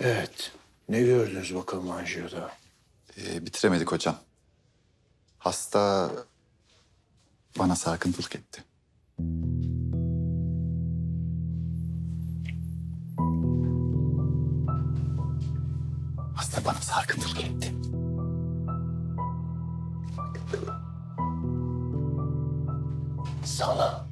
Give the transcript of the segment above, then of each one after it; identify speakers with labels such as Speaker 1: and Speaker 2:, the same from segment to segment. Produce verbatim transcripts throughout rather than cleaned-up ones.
Speaker 1: Evet. Ne gördünüz bakalım anjiyoda?
Speaker 2: Ee, bitiremedik hocam. Hasta bana sarkıntılık etti. Hasta bana sarkıntılık etti.
Speaker 1: Sana.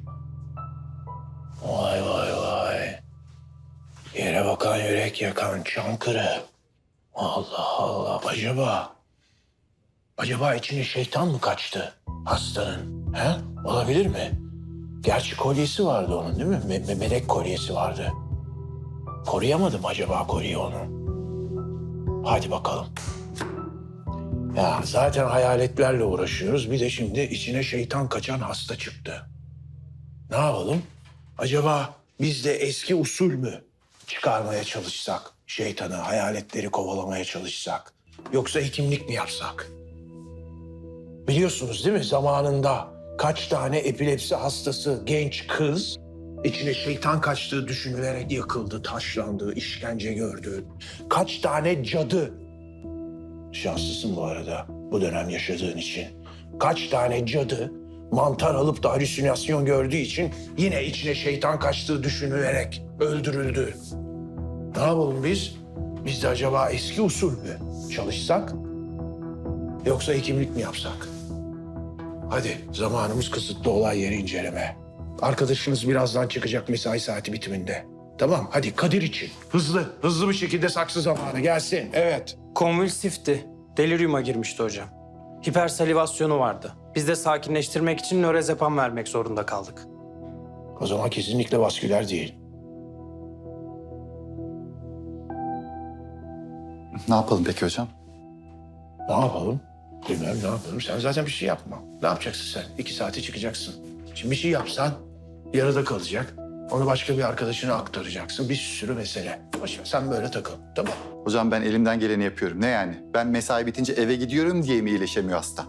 Speaker 1: Vay vay vay. Yere bakan yürek yakan Çankırı. Allah Allah. Acaba... Acaba içine şeytan mı kaçtı hastanın? He? Olabilir mi? Gerçi kolyesi vardı onun değil mi? Me- me- melek kolyesi vardı. Koruyamadım acaba kolyeyi onu? Hadi bakalım. Ya zaten hayaletlerle uğraşıyoruz. Bir de şimdi içine şeytan kaçan hasta çıktı. Ne yapalım? Acaba biz de eski usul mü çıkarmaya çalışsak? Şeytanı, hayaletleri kovalamaya çalışsak? Yoksa hekimlik mi yapsak? Biliyorsunuz değil mi? Zamanında kaç tane epilepsi hastası genç kız içine şeytan kaçtığı düşünülerek yakıldı, taşlandı, işkence gördü. Kaç tane cadı. Şanslısın bu arada bu dönem yaşadığın için. Kaç tane cadı mantar alıp da halüsinasyon gördüğü için yine içine şeytan kaçtığı düşünülerek öldürüldü. Ne yapalım biz? Biz de acaba eski usul mü çalışsak? Yoksa hekimlik mi yapsak? Hadi zamanımız kısıtlı, olay yeri inceleme. Arkadaşınız birazdan çıkacak mesai saati bitiminde. Tamam hadi Kadir için. Hızlı, hızlı bir şekilde saksı zamanı gelsin. Evet.
Speaker 3: Konvülsifti. Deliriuma girmişti hocam. Hipersalivasyonu vardı. Biz de sakinleştirmek için nörazepam vermek zorunda kaldık.
Speaker 1: O zaman kesinlikle vasküler değil.
Speaker 2: Ne yapalım peki hocam?
Speaker 1: Ne yapalım? Bilmem ne yapalım. Sen zaten bir şey yapma. Ne yapacaksın sen? İki saate çıkacaksın. Şimdi bir şey yapsan yarıda kalacak. Onu başka bir arkadaşına aktaracaksın. Bir sürü mesele. Boş ver, sen böyle takıl. Tamam.
Speaker 2: Hocam ben elimden geleni yapıyorum. Ne yani? Ben mesai bitince eve gidiyorum diye mi iyileşemiyor hasta?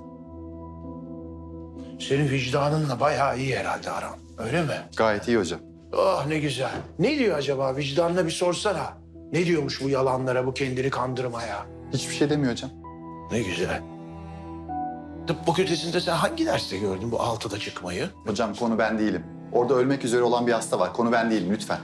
Speaker 1: Senin vicdanınla bayağı iyi herhalde aran. Öyle mi?
Speaker 2: Gayet iyi hocam.
Speaker 1: Oh ne güzel. Ne diyor acaba? Vicdanına bir sorsana. Ne diyormuş bu yalanlara, bu kendini kandırmaya?
Speaker 2: Hiçbir şey demiyor hocam.
Speaker 1: Ne güzel. Tıp fakültesinde sen hangi derste gördün bu altıda çıkmayı?
Speaker 2: Hocam konu ben değilim. Orada ölmek üzere olan bir hasta var. Konu ben değilim lütfen.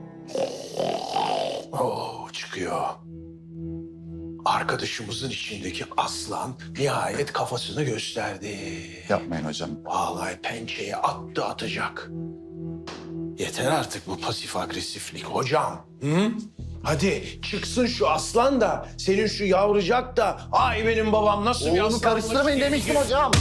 Speaker 1: Oo çıkıyor. Arkadaşımızın içindeki aslan nihayet kafasını gösterdi.
Speaker 2: Yapmayın hocam.
Speaker 1: Vallahi pençeye attı atacak. Yeter artık bu pasif agresiflik hocam. Hı? Hadi çıksın şu aslan da senin şu yavrucak da ay benim babam nasıl bir
Speaker 2: Oğlumu
Speaker 1: aslanmış
Speaker 2: karıştırmayın
Speaker 1: diye-
Speaker 2: demiştim hocam.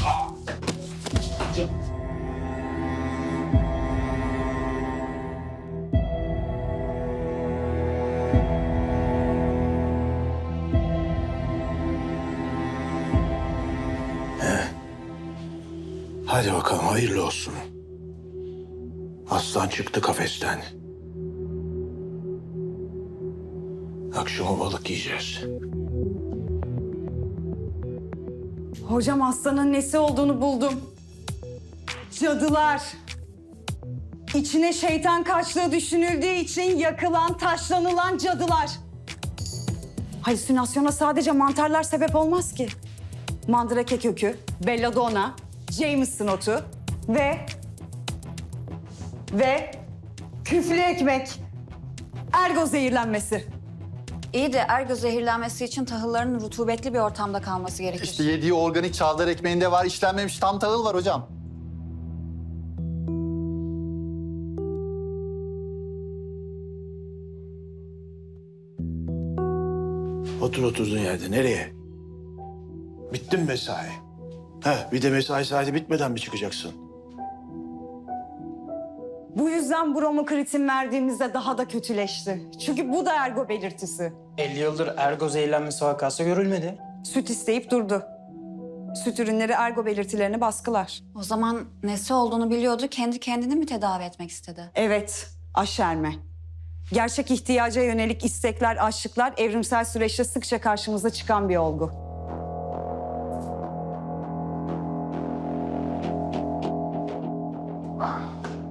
Speaker 1: Hadi bakalım hayırlı olsun. Aslan çıktı kafesten. Akşama balık yiyeceğiz.
Speaker 4: Hocam hastanın nesi olduğunu buldum. Cadılar. İçine şeytan kaçtığı düşünüldüğü için yakılan, taşlanılan cadılar. Halüsinasyona sadece mantarlar sebep olmaz ki. Mandrake kökü, belladonna, Jameson otu ve... ve küflü ekmek. Ergo zehirlenmesi.
Speaker 5: İyi de ergo zehirlenmesi için tahılların rutubetli bir ortamda kalması gerekir.
Speaker 2: İşte yediği organik çavdar ekmeğinde var, işlenmemiş tam tahıl var hocam.
Speaker 1: Otur oturduğun yerde. Nereye? Bitti mi mesai? He, bir de mesai saati bitmeden mi çıkacaksın?
Speaker 4: Bu yüzden bromokritin verdiğimizde daha da kötüleşti. Çünkü bu da ergo belirtisi.
Speaker 3: elli yıldır ergo zehirlenmesi vakası görülmedi.
Speaker 4: Süt isteyip durdu. Süt ürünleri ergo belirtilerini baskılar.
Speaker 5: O zaman nesi olduğunu biliyordu, kendi kendini mi tedavi etmek istedi?
Speaker 4: Evet, aşerme. Gerçek ihtiyaca yönelik istekler, açlıklar evrimsel süreçte sıkça karşımıza çıkan bir olgu.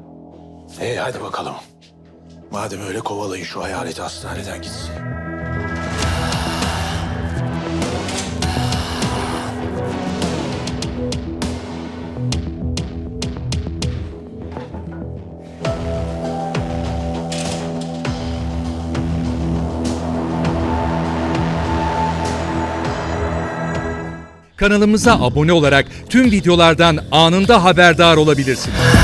Speaker 1: İyi hadi bakalım. Madem öyle kovalayın şu hayaleti hastaneden gitsin.
Speaker 6: Kanalımıza abone olarak tüm videolardan anında haberdar olabilirsiniz.